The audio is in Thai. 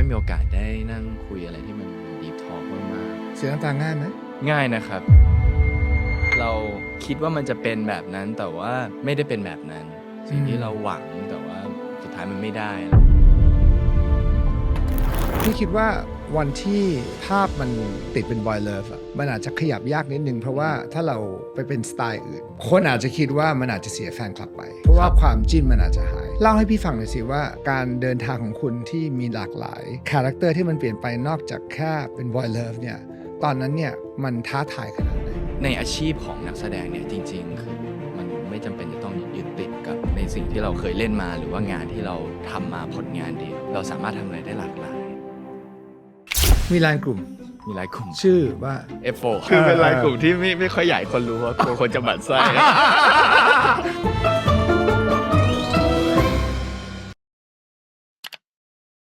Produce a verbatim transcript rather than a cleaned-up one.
อยมีโอกาสได้นั่งคุยอะไรที่มันดีทอล์กมากเสียน้ำตาง่ายไหมๆง่ายนะครับ เราคิดว่ามันจะเป็นแบบนั้นแต่ว่าไม่ได้เป็นแบบนั้น สิ่งที่เราหวังแต่ว่าสุดท้ายมันไม่ได้พี่คิดว่าวันที่ภาพมันติดเป็นบอยเลิฟอะมันอาจจะขยับยากนิดนึงเพราะว่าถ้าเราไปเป็นสไตล์อื่น คนอาจจะคิดว่ามันอาจจะเสียแฟนคลับไป เพราะว่าความจิ้นมันอาจจะหาย เล่าให้พี่ฟังหน่อยสิว่าการเดินทางของคุณที่มีหลากหลายคาแรคเตอร์ที่มันเปลี่ยนไปนอกจากแค่เป็นบอยเลิฟเนี่ยตอนนั้นเนี่ยมันท้าทายขนาดไหนในอาชีพของนักแสดงเนี่ยจริงๆคือมันไม่จำเป็นจะต้องยึดติดกับในสิ่งที่เราเคยเล่นมาหรือว่างานที่เราทำมาผลงานเดียวเราสามารถทำอะไรได้หลากหลายมีไลน์กลุ่มมีหลายกลุ่มชื่อว่าเอฟ โฟร์ คือเป็นไลน์กลุ่มที่ไม่ไม่ค่อยใหญ่คนรู้ว่ากลัวคนจะหมั่นไส้